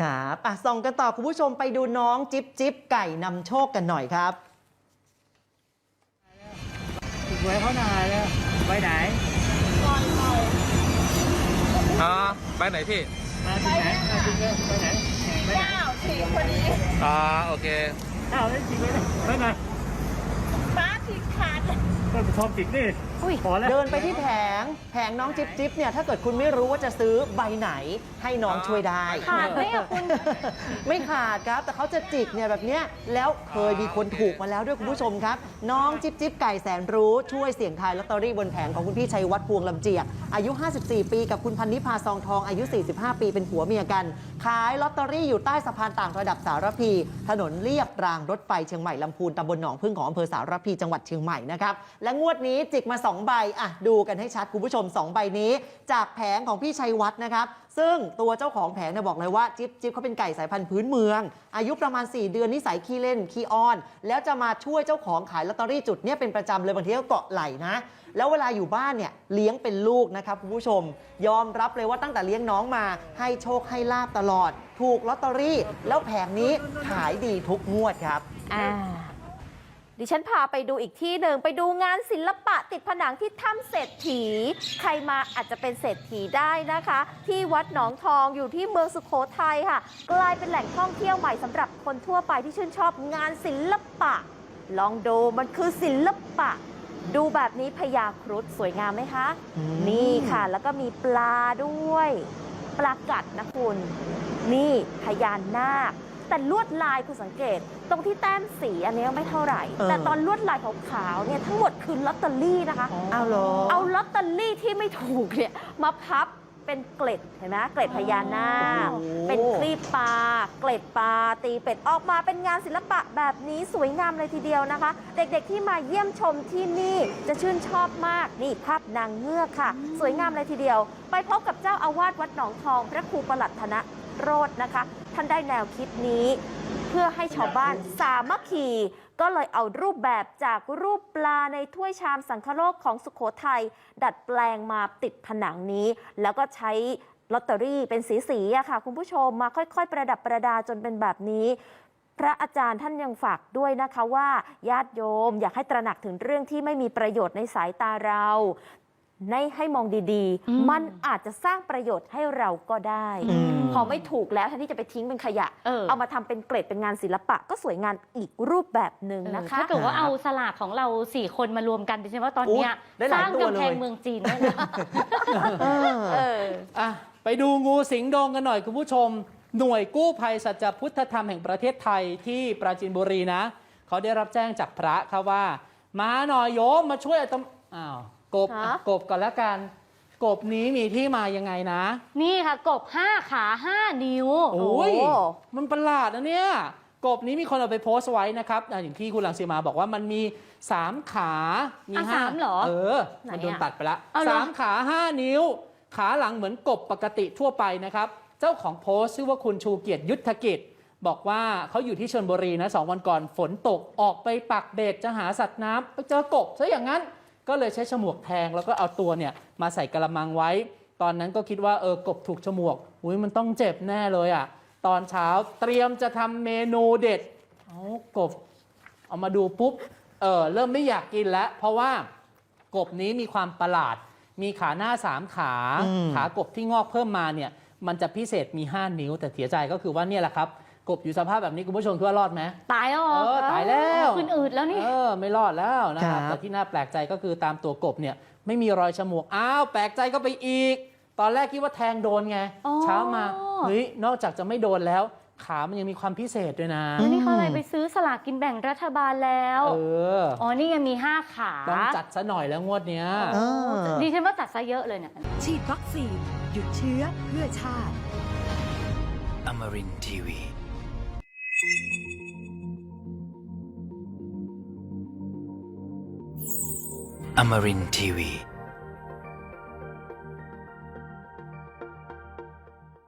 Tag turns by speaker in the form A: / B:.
A: ครับส่องกันต่อคุณผู้ชมไปดูน้องจิ๊บจิ๊บไก่นำโชคกันหน่อยครับ
B: หวยเขาหน่อยแล้วไปไหน
C: ไปไหนพี่
B: มาที่ไหนมาที่ไหนไปไหน
D: ฉีกพอดี
C: โอเค
B: แล้วฉีกไปไหน
D: ฟ้าฉีกขาด
B: ก็ไปทอมฉีกนี่พอแล้ว
A: เดินไปที่แผงน้องจิ๊บจิ๊บเนี่ยถ้าเกิดคุณไม่รู้ว่าจะซื้อใบไหนให้น้องช่วยได้
D: ขาดไหมคุณ
A: ไม่ขาดครับแต่เขาจะจิกเนี่ยแบบเนี้ยแล้วเคยมีคนถูกมาแล้วด้วยคุณผู้ชมครับน้องจิ๊บจิ๊บไก่แสนรู้ช่วยเสี่ยงทายลอตเตอรี่บนแผงของคุณพี่ชัยวัฒน์พวงลำเจียกอายุ54 ปีกับคุณพันนิพาซองทองอายุ45 ปีเป็นผัวเมียกันขายลอตเตอรี่อยู่ใต้สะพานต่างระดับสารพีถนนเลียบรางรถไฟเชียงใหม่ลำพูนตำบลหนองพึ่งของอำเภอสารพีจังหวัดเชียงใหม่นะครับและงวดนี้จิกมา2 ใบดูกันให้ชัดคุณผู้ชม2 ใบนี้จากแผงของพี่ชัยวัฒน์นะครับซึ่งตัวเจ้าของแผงเนี่ยบอกเลยว่าจิ๊บจิ๊บเขาเป็นไก่สายพันธุ์พื้นเมืองอายุประมาณ4 เดือนนิสัยขี้เล่นขี้อ้อนแล้วจะมาช่วยเจ้าของขายลอตเตอรี่จุดเนี่ยเป็นประจำเลยบางทีก็เกาะไหล่นะแล้วเวลาอยู่บ้านเนี่ยเลี้ยงเป็นลูกนะครับคุณผู้ชมยอมรับเลยว่าตั้งแต่เลี้ยงน้องมาให้โชคให้ลาบตลอดถูกลอตเตอรี่แล้วแผงนี้ขายดีทุกงวดครับ
D: ดิฉันพาไปดูอีกที่หนึ่งไปดูงานศิลปะติดผนังที่ถ้ำเศรษฐีใครมาอาจจะเป็นเศรษฐีได้นะคะที่วัดหนองทองอยู่ที่เมืองสุโขทัยค่ะกลายเป็นแหล่งท่องเที่ยวใหม่สำหรับคนทั่วไปที่ชื่นชอบงานศิลปะลองดูมันคือศิลปะดูแบบนี้พญาครุฑสวยงามไหมคะนี่ค่ะแล้วก็มีปลาด้วยปลากัดนะคุณนี่พญานาคแต่ลวดลายคุณสังเกตตรงที่แต้มสีอันนี้ไม่เท่าไหร่แต่ตอนลวดลายขาวๆเนี่ยทั้งหมดคือลอตเตอรี่นะคะเอาลอตเตอรี่ที่ไม่ถูกเนี่ยมาพับเป็นเกล็ดเห็นไหมเกล็ดพญานาคเป็นคลีปปลาเกล็ดปลาตีเป็ดออกมาเป็นงานศิลปะแบบนี้สวยงามเลยทีเดียวนะคะเด็กๆที่มาเยี่ยมชมที่นี่จะชื่นชอบมากนี่ภาพนางเงือกค่ะสวยงามเลยทีเดียวไปพบกับเจ้าอาวาสวัดหนองทองพระครูประหลัดธนโรจน์นะคะท่านได้แนวคิดนี้เพื่อให้ชาวบ้านสามัคคีก็เลยเอารูปแบบจากรูปปลาในถ้วยชามสังคโลกของสุโขทัยดัดแปลงมาติดผนังนี้แล้วก็ใช้ลอตเตอรี่เป็นสีๆอะค่ะคุณผู้ชมมาค่อยๆประดับประดาจนเป็นแบบนี้พระอาจารย์ท่านยังฝากด้วยนะคะว่าญาติโยมอยากให้ตระหนักถึงเรื่องที่ไม่มีประโยชน์ในสายตาเราให้มองดีๆมันอาจจะสร้างประโยชน์ให้เราก็ได้พอไม่ถูกแล้วแทนที่จะไปทิ้งเป็นขยะเอามาทำเป็นเกรดเป็นงานศิลปะก็สวยงามอีกรูปแบบหนึ่งนะคะ
E: ถ้าเกิดว่าเอาสลากของเรา4 คนมารวมกันดิฉันว่าตอนนี้สร้างกำแพงเมืองจีนได้
B: นะไปดูงูสิงโดงกันหน่อยคุณผู้ชมหน่วยกู้ภัยสัจพุทธธรรมแห่งประเทศไทยที่ปราจีนบุรีนะเขาได้รับแจ้งจากพระครับว่ามาหน่อยโยมมาช่วยกบก่อนแล้วกันกบนี้มีที่มายังไงนะ
E: นี่ค่ะกบ5 ขา 5 นิ้ว
B: โอ้ยมันประหลาดนะเนี่ยกบนี้มีคนเอาไปโพสต์ไว้นะครับอย่างที่คุณรังสีมาบอกว่ามันมี3 ขามี
E: 5เหรอ
B: มันโดนตัดไปละ3 ขา 5 นิ้วขาหลังเหมือนกบปกติทั่วไปนะครับเจ้าของโพสต์ชื่อว่าคุณชูเกียรติยุทธกิจบอกว่าเขาอยู่ที่ชลบุรีนะ2 วันก่อนฝนตกออกไปปักเบ็ดจะหาสัตว์น้ำไปเจอกบซะอย่างนั้นก็เลยใช้ฉมวกแทงแล้วก็เอาตัวเนี่ยมาใส่กระมังไว้ตอนนั้นก็คิดว่ากบถูกฉมวกมันต้องเจ็บแน่เลยตอนเช้าเตรียมจะทำเมนูเด็ดกบเอามาดูปุ๊บเริ่มไม่อยากกินแล้วเพราะว่ากบนี้มีความประหลาดมีขาหน้า3 ขากบที่งอกเพิ่มมาเนี่ยมันจะพิเศษมี5 นิ้วแต่เสียใจก็คือว่าเนี่ยแหละครับกบอยู่สภาพแบบนี้คุณผู้ชมคิดว่ารอดไหม
E: ตายแล้ว
B: ตายแล้ว
E: ขึ้นอืดแล้วนี่
B: ไม่รอดแล้วนะครับแต่ที่น่าแปลกใจก็คือตามตัวกบเนี่ยไม่มีรอยฉมวกแปลกใจก็ไปอีกตอนแรกคิดว่าแทงโดนไงเช้ามานอกจากจะไม่โดนแล้วขามันยังมีความพิเศษด้วยนะ
E: นี่เขาเลยไปซื้อสลากกินแบ่งรัฐบาลแล้วนี่ยังมี5 ขา
B: ต้องจัดซะหน่อยแล้วงวดเนี้ย
E: ดิฉันว่าจัดซะเยอะเลยเนี่ย
F: ฉีดวัคซีนหยุดเชื้อเพื่อชาติ
G: Amarin Tiwi Amarin Tiwi